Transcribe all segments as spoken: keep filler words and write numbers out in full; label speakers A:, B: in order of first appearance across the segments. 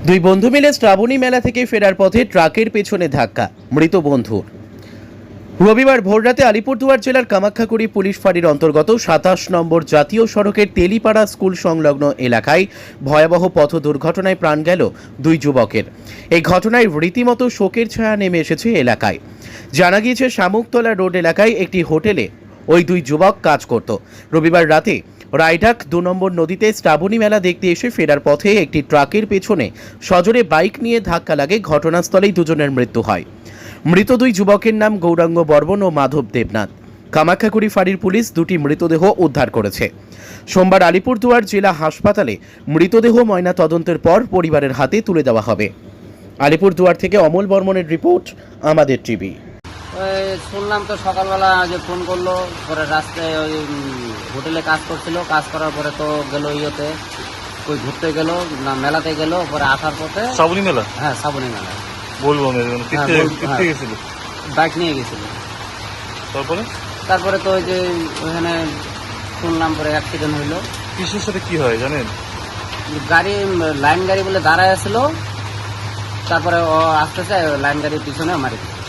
A: দুই বন্ধু মিলে শ্রাবণী মেলা থেকে ফেরার পথে ট্রাকের পেছনে ধাক্কা, মৃত বন্ধুর। রবিবার ভোররাতে আলিপুরদুয়ার জেলার কামাখ্যাকুড়ি পুলিশ ফাঁড়ির অন্তর্গত সাতাশ নম্বর জাতীয় সড়কের তেলিপাড়া স্কুল সংলগ্ন এলাকায় ভয়াবহ পথ দুর্ঘটনায় প্রাণ গেল দুই যুবকের। এই ঘটনায় রীতিমতো শোকের ছায়া নেমে এসেছে এলাকায়। জানা গিয়েছে, শামুকতলা রোড এলাকায় একটি হোটেলে ওই দুই যুবক কাজ করত। রবিবার রাতে রায়ডাক দু নম্বর নদীতে শ্রাবণী মেলা দেখতে এসে ফেরার পথে একটি ট্রাকের পেছনে সজোরে বাইক নিয়ে ধাক্কা লাগে। ঘটনাস্থলেই দুজনের মৃত্যু হয়। মৃত দুই যুবকের নাম গৌরাঙ্গ বর্মন ও মাধব দেবনাথ। কামাখ্যাকুড়ি ফাঁড়ির পুলিশ দুটি মৃতদেহ উদ্ধার করেছে। সোমবার আলিপুরদুয়ার জেলা হাসপাতালে মৃতদেহ ময়না তদন্তের পর পরিবারের হাতে তুলে দেওয়া হবে। আলিপুরদুয়ার থেকে অমল বর্মনের রিপোর্ট, আমাদের টিভি।
B: ওই শুনলাম তো সকালবেলা যে ফোন করলো, পরে রাস্তায় ওই হোটেলে কাজ করছিল, কাজ করার পরে তো গেল ইয়েতে ওই ঘুরতে গেল না মেলাতে গেল, পরে আসার পথে
C: শ্রাবণী মেলা।
B: হ্যাঁ শ্রাবণী মেলা
C: বলবো
B: হ্যাঁ,
C: গেছিল
B: বাইক নিয়ে গেছিল।
C: তারপরে
B: তারপরে তো ওই যে ওখানে শুনলাম পরে অ্যাক্সিডেন্ট হইলো।
C: কিসের সাথে কি হয় জানেন?
B: গাড়ি লাইন গাড়ি বলে দাঁড়ায় আসছিল, তারপরে ও আসতেছে লাইন গাড়ির পিছনে মারি দিল।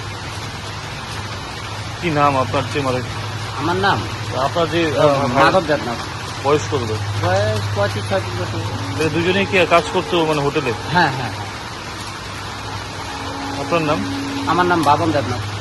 C: কি নাম আপনার? যে মানে
B: আমার নাম
C: আপনার যে
B: মাধব দেবনাথ।
C: বয়স করবে
B: বয়স পঁচিশ ছয়ত্রিশ বছর।
C: দুজনেই কি কাজ করতো মানে হোটেলে?
B: হ্যাঁ হ্যাঁ।
C: আপনার নাম?
B: আমার নাম বাবন দেবনাথ।